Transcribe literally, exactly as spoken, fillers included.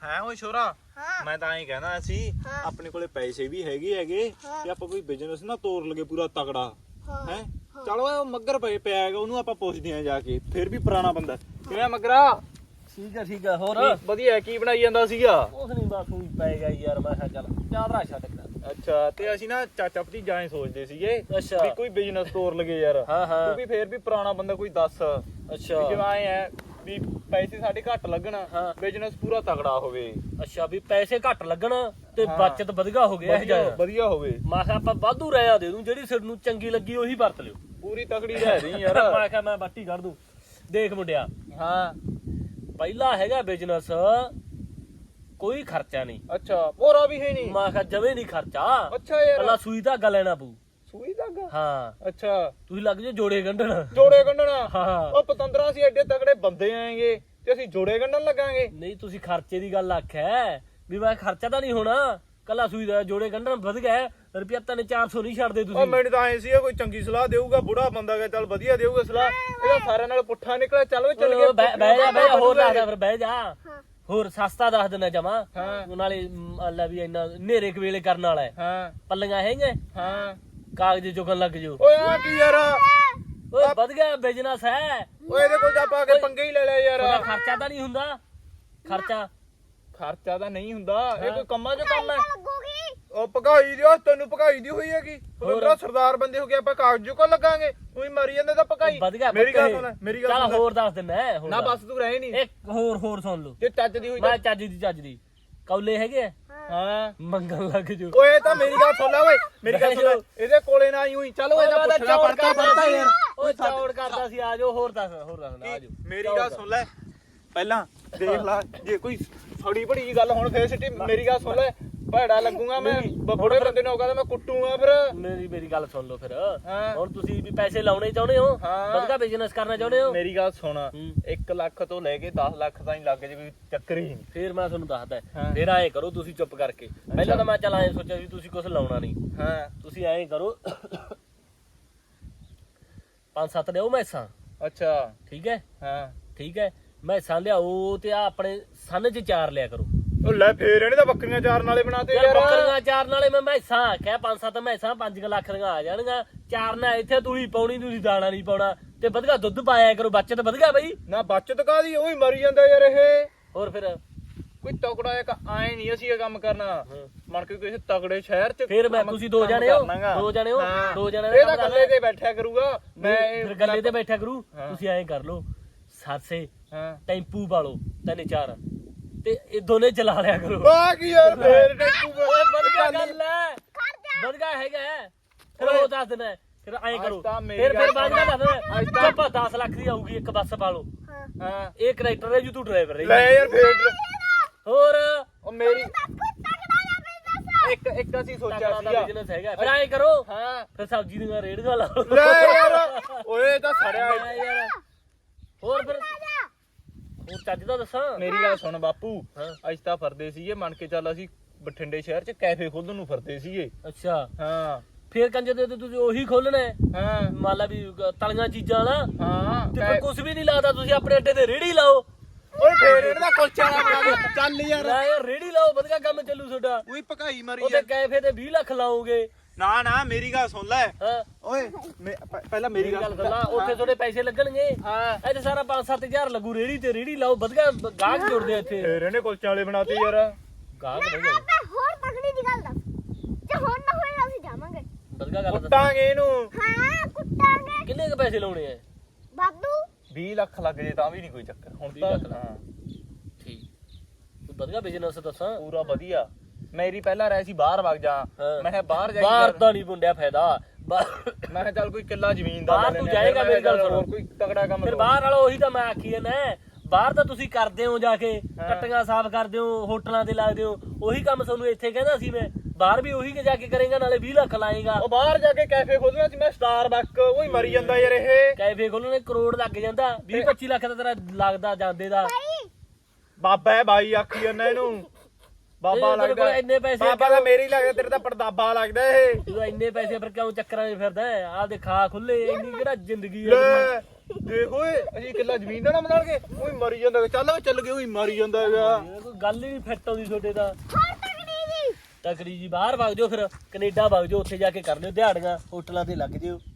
ਹੈ ਓਏ ਛੋਰਾ ਮੈਂ ਤਾਂ ਐਂ ਕਹਿਣਾ ਸੀ ਆਪਣੇ ਕੋਲੇ ਪੈਸੇ ਵੀ ਹੈਗੇ ਹੈਗੇ ਤੇ ਆਪਾਂ ਕੋਈ ਬਿਜ਼ਨਸ ਨਾ ਤੋੜ ਲਗੇ ਪੂਰਾ ਤਗੜਾ ਹੈ। ਚਲੋ ਉਹ ਮੱਗਰ ਪਏ ਪਿਆ ਹੈਗਾ ਉਹਨੂੰ ਆਪਾਂ ਪੁੱਛਦੇ ਆਂ ਜਾ ਕੇ ਫਿਰ ਵੀ ਪੁਰਾਣਾ ਬੰਦਾ। ਕਿਵੇਂ ਮੱਗਰਾ? ਠੀਕ ਆ ਠੀਕ ਆ। ਹੋਰ ਵਧੀਆ ਕੀ ਬਣਾਈ ਜਾਂਦਾ ਸੀਗਾ? ਕੁਛ ਨਹੀਂ ਬਸ ਉਹੀ ਪੈ ਗਿਆ ਯਾਰ। ਮੈਂ ਕਿਹਾ ਚੱਲ ਚਾਦਰਾ ਛੱਡ ਕੇ। ਅੱਛਾ ਤੇ ਅਸੀਂ ਨਾ ਚਾਚਾ ਭਤੀਜਾ ਐਂ ਸੋਚਦੇ ਸੀਗੇ ਅੱਛਾ ਵੀ ਕੋਈ ਬਿਜ਼ਨਸ ਤੋੜ ਲਗੇ ਯਾਰ। ਹਾਂ ਹਾਂ ਤੂੰ ਵੀ ਫੇਰ ਵੀ ਪੁਰਾਣਾ ਬੰਦਾ ਕੋਈ ਦੱਸ। ਅੱਛਾ ਜਿਵੇਂ ਐ ਹੈ ਵੀ ਪੈਸੇ ਸਾਡੇ ਘੱਟ ਲੱਗਣ ਬਿਜ਼ਨਸ ਪੂਰਾ ਤਗੜਾ ਹੋਵੇ। ਅੱਛਾ ਵੀ ਪੈਸੇ ਘੱਟ ਲੱਗਣ ਤੇ ਬਚਤ ਵਧੀਆ ਹੋ ਗਿਆ। ਵਧੀਆ ਵਧੀਆ ਹੋਵੇ। ਮੈਂ ਕਿਹਾ ਆਪਾਂ ਵਾਧੂ ਰਹਿਆ ਦੇ ਦੂੰ ਜਿਹੜੀ ਸਿਰ ਨੂੰ ਚੰਗੀ ਲੱਗੀ ਉਹੀ ਵਰਤ ਲਿਓ। ਪੂਰੀ ਤਗੜੀ ਰਹਿ ਰਹੀ ਯਾਰ। ਮੈਂ ਕਿਹਾ ਮੈਂ ਬੱਟੀ ਕੱਢ ਦੂੰ। ਦੇਖ ਮੁੰਡਿਆ ਹਾਂ ਪਹਿਲਾ ਹੈਗਾ ਬਿਜ਼ਨਸ ਕੋਈ ਖਰਚਾ ਨਹੀਂ। ਅੱਛਾ ਮੋਰਾ ਵੀ ਹੈ ਨਹੀਂ। ਮੈਂ ਕਿਹਾ ਜਵੇਂ ਨਹੀਂ ਖਰਚਾ। ਅੱਛਾ ਯਾਰ ਪਹਿਲਾਂ ਸੂਈ ਧਾਗਾ ਲੈਣਾ ਪਊ। ਸੂਈ ਧਾਗਾ? ਹਾਂ ਅੱਛਾ ਤੁਸੀਂ ਲੱਗ ਜੇ ਜੋੜੇ ਗੰਢਣ। ਜੋੜੇ ਗੰਢਣਾ? ਹਾਂ ਉਹ ਪਤੰਦਰਾ ਸੀ ਐਡੇ ਤਗੜੇ ਬੰਦੇ ਆਏਗੇ ਤੇ ਅਸੀਂ ਜੋੜੇ ਗੰਢਣ ਲੱਗਾਂਗੇ? ਨਹੀਂ ਤੁਸੀਂ ਖਰਚੇ ਦੀ ਗੱਲ ਆਖਿਆ ਵੀ ਮੈਂ ਖਰਚਾ ਤਾਂ ਨਹੀਂ ਹੋਣਾ। ਕੱਲਾ ਸੂਈ ਦਾ ਜੋੜੇ ਗੰਢਣ ਵਧ ਗਿਆ ਰੁਪਿਆ ਤਿੰਨ ਚਾਰ ਸੌ ਨਹੀਂ ਛੱਡਦੇ ਤੁਸੀਂ। ਉਹ ਮੈਨੂੰ ਤਾਂ ਐ ਸੀ ਕੋਈ ਚੰਗੀ ਸਲਾਹ ਦੇਊਗਾ ਬੁੜਾ ਬੰਦਾ ਕਿ ਚੱਲ ਵਧੀਆ ਦੇਊਗਾ ਸਲਾਹ। ਇਹਦਾ ਸਾਰਿਆਂ ਨਾਲ ਪੁੱਠਾ ਨਿਕਲਿਆ। ਚੱਲ ਵੇ ਚੱਲ ਗਿਆ। ਬਹਿ ਜਾ ਬਹਿ ਜਾ ਹੋਰ ਦੱਸਦਾ ਫਿਰ ਬਹਿ ਜਾ। ਹੋਰ ਸਸਤਾ ਦੱਸ ਦਿੰਦਾ ਜਮਾ। ਹਾਂ ਨਾਲੇ ਅੱਲਾ ਵੀ ਇੰਨਾ ਨੇਰੇ ਕਵੇਲੇ ਕਰਨ ਵਾਲਾ ਹੈ। ਹਾਂ ਪੱਲੀਆਂ ਹੈਗੇ ਹਾਂ ਕਾਗਜ਼ ਚੁਗਣ ਲੱਗ ਜਾਓ। ਓਏ ਆ ਕੀ ਯਾਰ? ਓਏ ਵਧ ਗਿਆ ਬਿਜ਼ਨਸ ਹੈ। ਓਏ ਇਹਦੇ ਕੋਲ ਤਾਂ ਆਪਾਂ ਕੇ ਪੰਗੇ ਹੀ ਲੈ ਲਿਆ ਯਾਰ। ਉਹਦਾ ਖਰਚਾ ਤਾਂ ਨਹੀਂ ਹੁੰਦਾ। ਖਰਚਾ ਖਰਚਾ ਤਾਂ ਨਹੀਂ ਹੁੰਦਾ। ਇਹ ਕੋਈ ਕੰਮਾਂ 'ਚ ਕੰਮ ਹੈ? ਉਹ ਭਗਾਈ ਦਿਓ ਤੈਨੂੰ ਭਗਾਈ ਦੀ ਹੋਈ ਹੈਗੀ। ਉਹਦਾ ਸਰਦਾਰ ਬੰਦੇ ਹੋ ਕੇ ਆਪਾਂ ਕਾਗਜ਼ ਕੋ ਲੱਗਾਂਗੇ। ਉਹੀ ਮਰੀ ਜਾਂਦੇ ਤਾਂ ਭਗਾਈ। ਮੇਰੀ ਗੱਲ ਸੁਣ ਮੇਰੀ ਗੱਲ ਚੱਲ ਹੋਰ ਦੱਸ ਦਿੰਦਾ। ਨਾ ਬਸ ਤੂੰ ਰਹੇ ਨਹੀਂ। ਇੱਕ ਹੋਰ ਹੋਰ ਸੁਣ ਲਓ ਜੇ ਚੱਜ ਦੀ ਹੋਈ ਮੈਂ ਚੱਜ ਦੀ ਚੱਜ ਦੀ ਕੌਲੇ ਹੈਗੇ ਆ ਹਾਂ ਮੰਗਣ ਲੱਗ ਜਾਓ। ਓਏ ਤਾਂ ਮੇਰੀ ਗੱਲ ਸੁਣ ਲੈ ਓਏ ਮੇਰੀ ਗੱਲ ਸੁਣ ਇਹਦੇ ਕੋਲੇ ਨਾ ਆਈ ਹੋਈ। ਚੱਲ ਓਏ ਇਹਦਾ ਪੁੱਛਣਾ ਪੜਤਾ ਪੜਤਾ ਯਾਰ। ਓਏ ਚੌੜ ਕਰਦਾ ਸੀ ਆ ਜਾਓ। ਹੋਰ ਦੱਸ ਹੋਰ ਦੱਸ ਆ ਜਾਓ। ਮੇਰੀ ਗੱਲ ਸੁਣ ਲੈ ਪਹਿਲਾਂ ਦੇਖ ਲੈ ਜੇ ਕੋਈ ਫੜੀ ਬੜੀ ਜੀ ਗੱਲ ਹੁਣ ਫੇਰ ਸਿੱਟੀ। ਮੇਰੀ ਗੱਲ ਸੁਣ ਲੈ ਭੈੜਾ ਲੱਗੂਗਾ ਮੈਂ ਬੁੜੇ ਬੰਦੇ ਨੂੰ ਕਹਿੰਦਾ ਮੈਂ ਕੁੱਟੂਗਾ ਫਿਰ। ਮੇਰੀ ਮੇਰੀ ਗੱਲ ਸੁਣ ਲਓ ਫਿਰ। ਹਾਂ ਹੁਣ ਤੁਸੀਂ ਵੀ ਪੈਸੇ ਲਾਉਣੇ ਚਾਹੁੰਦੇ ਹੋ ਵਧੀਆ ਬਿਜ਼ਨਸ ਕਰਨਾ ਚਾਹੁੰਦੇ ਹੋ। ਮੇਰੀ ਗੱਲ ਸੁਣ ਇੱਕ ਲੱਖ ਤੋਂ ਲੈ ਕੇ ਦਸ ਲੱਖ ਤਾਈਂ ਲੱਗ ਜੇ ਕੋਈ ਚੱਕਰ ਹੀ ਨਹੀਂ। ਫਿਰ ਮੈਂ ਤੁਹਾਨੂੰ ਦੱਸਦਾ ਫਿਰ ਐਂ ਕਰੋ ਤੁਸੀਂ ਚੁੱਪ ਕਰਕੇ। ਪਹਿਲਾਂ ਤਾਂ ਮੈਂ ਚੱਲ ਐਂ ਸੋਚਿਆ ਸੀ ਤੁਸੀਂ ਕੁਝ ਲਾਉਣਾ ਨਹੀਂ। ਹਾਂ ਤੁਸੀਂ ਐਂ ਕਰੋ ਪੰਜ ਸੱਤ ਲਿਆਓ ਮੈਸਾਂ। ਅੱਛਾ ਠੀਕ ਹੈ ਹਾਂ ਠੀਕ ਹੈ ਮੈਸਾਂ ਲਿਆਓ ਤੇ ਆ ਆਪਣੇ ਸੰਨ ਚ ਚਾਰ ਲਿਆ ਕਰੋ। ਉਹ ਲੈ ਫੇਰ ਇਹਨੇ ਤਾਂ ਬੱਕਰੀਆਂ ਚਾਰਨ ਵਾਲੇ ਬਣਾਤੇ ਯਾਰ। ਬੱਕਰੀਆਂ ਚਾਰਨ ਵਾਲੇ ਮੈਂ ਮੈਸਾਂ ਆਖਿਆ ਪੰਜ ਸੱਤ ਮੈਸਾਂ ਪੰਜ ਲੱਖ ਦੀਆਂ ਆ ਜਾਣਗੀਆਂ। ਚਾਰਨਾ ਇੱਥੇ ਤੂੜੀ ਪਾਉਣੀ ਤੁਸੀਂ ਦਾਣਾ ਨਹੀਂ ਪਾਉਣਾ ਤੇ ਵਧੀਆ ਦੁੱਧ ਪਾਇਆ ਕਰੋ। ਬੱਚਤ ਵਧੀਆ ਬਈ ਨਾ ਬੱਚਤ ਕਾਦੀ ਉਹੀ ਮਰੀ ਜਾਂਦਾ ਯਾਰ ਇਹ। ਹੋਰ ਫਿਰ ਕੋਈ ਤਕੜਾ ਇੱਕ ਐ ਨਹੀਂ ਅਸੀਂ ਇਹ ਕੰਮ ਕਰਨਾ ਮਨ ਕੇ ਕਿਸੇ ਤਕੜੇ ਸ਼ਹਿਰ ਚ। ਫਿਰ ਮੈਂ ਤੁਸੀਂ ਦੋ ਜਣੇ ਹੋ ਦੋ ਜਣੇ ਹੋ ਦੋ ਜਣੇ ਇਹ ਤਾਂ ਗੱਲੇ ਤੇ ਬੈਠਿਆ ਕਰੂਗਾ। ਮੈਂ ਫਿਰ ਗੱਲੇ ਤੇ ਬੈਠਿਆ ਕਰੂ। ਤੁਸੀਂ ਐਂ ਕਰ ਲਓ ਸਾਸੇ ਟੈਂਪੂ ਪਾਲੋ ਤਿੰਨ ਚਾਰ ਤੇ ਇਹ ਦੋਨੇ ਚਲਾ ਲਿਆ ਕਰੋ। ਆ ਕੀ ਯਾਰ ਫੇਰ ਟੈਂਪੂ ਵਧੀਆ ਗੱਲ ਹੈ ਵਧੀਆ ਹੈਗਾ। ਫਿਰ ਉਹ ਦੱਸ ਦੇਣਾ ਫਿਰ ਐਂ ਕਰੋ ਫਿਰ ਫਿਰ ਬਾਅਦ ਵਿੱਚ ਦੱਸ ਦੇਣਾ ਦਸ ਲੱਖ ਦੀ ਆਊਗੀ ਇੱਕ ਬੱਸ ਪਾ ਲਓ। ਹਾਂ ਇਹ ਕਰੈਕਟਰ ਹੈ ਜੀ ਤੂੰ ਡਰਾਈਵਰ ਰਹੀ ਲੈ ਯਾਰ ਫੇਰ ਹੋਰ ਉਹ ਮੇਰੀ ਇੱਕ ਇੱਕ ਅਸੀਂ ਸੋਚਿਆ ਸੀਗਾ ਬਿਜ਼ਨਸ ਹੈਗਾ। ਫਿਰ ਐਂ ਕਰੋ ਹਾਂ ਫਿਰ ਸਬਜ਼ੀ ਦੀਆਂ ਰੇੜੀਆਂ ਲਾਓ। ਲੈ ਯਾਰ ਓਏ ਤਾਂ ਸੜਿਆ ਯਾਰ ਹੋਰ ਫਿਰ ਹੋਰ ਚੱਜ ਦਾ ਦੱਸਾਂ। ਮੇਰੀ ਗੱਲ ਸੁਣ ਬਾਪੂ ਅੱਜ ਤਾਂ ਫਰਦੇ ਸੀਗੇ ਮੰਨ ਕੇ ਚੱਲ ਅਸੀਂ ਬਠਿੰਡੇ ਸ਼ਹਿਰ ਚ ਕੈਫੇ ਖੋਲਣ ਨੂੰ ਫਰਦੇ ਸੀਗੇ। ਅੱਛਾ ਹਾਂ ਫੇਰ ਕੰਜੇ ਦੇ ਤੁਸੀਂ ਉਹੀ ਖੋਲਣਾ ਹਾਂ ਮੰਨ ਲਾ ਵੀ ਤਲੀਆਂ ਚੀਜ਼ਾਂ ਦਾ ਹਾਂ ਤੇ ਫਿਰ ਕੁਝ ਵੀ ਨਹੀਂ ਲਾਦਾ ਤੁਸੀਂ ਆਪਣੇ ਅੱਡੇ ਤੇ ਰੇੜੀ ਲਾਓ। ਓਏ ਫੇਰ ਇਹਦਾ ਕੁਲਚਾ ਵਾਲਾ ਬਣਾ ਦੇ ਚੱਲ ਯਾਰ। ਲੈ ਯਾਰ ਰੇੜੀ ਲਾਓ ਵਧੀਆ ਕੰਮ ਚੱਲੂ ਤੁਹਾਡਾ। ਉਹੀ ਭਕਾਈ ਮਾਰੀ ਉਹਦੇ ਕੈਫੇ ਤੇ ਵੀਹ ਲੱਖ ਲਾਓਗੇ। ਨਾ ਨਾ ਮੇਰੀ ਗੱਲ ਸੁਣ ਲੈ ਹਾਂ ਓਏ ਪਹਿਲਾਂ ਮੇਰੀ ਗੱਲ ਸੁਣ ਲੈ ਉੱਥੇ ਤੁਹਾਡੇ ਪੈਸੇ ਲੱਗਣਗੇ। ਹਾਂ ਇੱਥੇ ਸਾਰਾ ਪੰਜ ਸੱਤ ਹਜ਼ਾਰ ਲੱਗੂ ਰੇੜੀ ਤੇ ਰੇੜੀ ਲਾਓ ਵਧੀਆ ਗਾਹਕ ਜੁੜਦੇ ਇੱਥੇ। ਫੇਰ ਇਹਨੇ ਕੁਲਚਾ ਵਾਲੇ ਬਣਾਤੇ ਯਾਰ। ਗਾਹਕ ਵਧੀਆ ਹੋਰ ਤਗੜੀ ਦੀ ਗੱਲ ਦੱਸ ਜੇ ਹੁਣ ਨਾ ਹੋਏ ਅਸੀਂ ਜਾਵਾਂਗੇ ਵਧੀਆ ਗੱਲ ਕੁੱਟਾਂਗੇ ਇਹਨੂੰ। ਹਾਂ ਕੁੱਟਾਂਗੇ। ਕਿੰਨੇ ਕ ਪੈਸੇ ਲਾਉਣੇ ਆ? ਬਾਦੂ ਵੀਹ ਲੱਖ ਲੱਗ ਜੇ ਤਾਂ ਵੀ ਨਹੀਂ ਕੋਈ ਚੱਕਰ ਹੁਣ ਤਾਂ। ਹਾਂ ਠੀਕ ਤੂੰ ਵਧੀਆ ਬਿਜ਼ਨਸ ਦੱਸਾਂ ਪੂਰਾ ਵਧੀਆ। ਮੇਰੀ ਪਹਿਲਾਂ ਰਹਿ ਸੀ ਬਾਹਰ ਵਗ ਜਾ ਮੈਂ ਕਿਹਾ ਬਾਹਰ ਜਾ ਬਾਹਰ ਤਾਂ ਨਹੀਂ ਮੁੰਡਿਆ ਫਾਇਦਾ। ਮੈਂ ਕਿਹਾ ਚੱਲ ਕੋਈ ਕਿੱਲਾ ਜ਼ਮੀਨ ਦਾ ਬਾਹਰ ਤੂੰ ਜਾਏਗਾ ਮੇਰੀ ਗੱਲ ਸੁਣ ਹੋਰ ਕੋਈ ਤਗੜਾ ਕੰਮ ਫਿਰ ਬਾਹਰ ਵਾਲਾ ਉਹੀ ਤਾਂ ਮੈਂ ਆਖੀ ਜਾਂਦਾ ਬਾਹਰ ਤਾਂ ਤੁਸੀਂ ਕਰਦੇ ਹੋ ਜਾ ਕੇ ਟੱਟੀਆਂ ਸਾਫ਼ ਕਰਦੇ ਹੋ ਹੋਟਲਾਂ ਤੇ ਲੱਗਦੇ ਹੋ ਉਹੀ ਕੰਮ ਤੁਹਾਨੂੰ ਇੱਥੇ ਕਹਿੰਦਾ ਸੀ ਮੈਂ ਬਾਹਰ ਵੀ ਉਹੀ ਜਾ ਕੇ ਕਰੇਗਾ ਨਾਲੇ ਵੀਹ ਲੱਖ ਲਾਏਗਾ। ਉਹ ਬਾਹਰ ਜਾ ਕੇ ਕੈਫੇ ਖੋਲਣਾ ਸੀ ਮੈਂ ਸਟਾਰਬਕ ਉਹੀ ਮਰੀ ਜਾਂਦਾ ਯਾਰ ਇਹ। ਕੈਫੇ ਖੋਲਣੇ ਕਰੋੜ ਲੱਗ ਜਾਂਦਾ ਵੀਹ ਪੱਚੀ ਲੱਖ ਦਾ ਤੇਰਾ ਲੱਗਦਾ ਜਾਂਦੇ ਦਾ। ਬਾਬਾ ਹੈ ਬਾਈ ਆਖੀ ਜਾਂਦਾ ਇਹਨੂੰ ਬਾਬਾ ਲੱਗਦਾ ਇੰਨੇ ਪੈਸੇ ਬਾਬਾ ਤਾਂ ਮੇਰੀ ਲੱਗਦਾ ਤੇਰੇ ਤਾਂ ਪੜਦਾਬਾ ਲੱਗਦਾ ਇਹ। ਤੂੰ ਇੰਨੇ ਪੈਸੇ ਫਿਰ ਕਿਉਂ ਚੱਕਰਾਂ 'ਚ ਫਿਰਦਾ ਆਹ ਦੇ ਖਾ ਖੁੱਲੇ ਇੰਨੀ ਕਿਹੜਾ ਜ਼ਿੰਦਗੀ ਹੈ। ਦੇਖ ਓਏ ਅਸੀਂ ਕਿੱਲਾ ਜ਼ਮੀਨ ਦਾ ਨਾ ਬਣਾਣਗੇ ਓਏ ਮਰੀ ਜਾਂਦਾ ਚੱਲ ਓਏ ਚੱਲ ਗਏ ਓਏ ਮਰੀ ਜਾਂਦਾ ਹੈਗਾ ਇਹ ਕੋਈ ਗੱਲ ਹੀ ਨਹੀਂ ਫਿੱਟ ਆਉਂਦੀ ਤੁਹਾਡੇ ਤਾਂ ਹੋਰ ਤਕੜੀ ਜੀ ਤਕੜੀ ਜੀ ਬਾਹਰ ਵਗ ਜਾਓ ਫਿਰ ਕੈਨੇਡਾ ਵਗ ਜਾਓ ਉੱਥੇ ਜਾ ਕੇ ਕਰ ਲਿਓ ਦਿਹਾੜੀਆਂ ਹੋਟਲਾਂ ਤੇ ਲੱਗ ਜਿਓ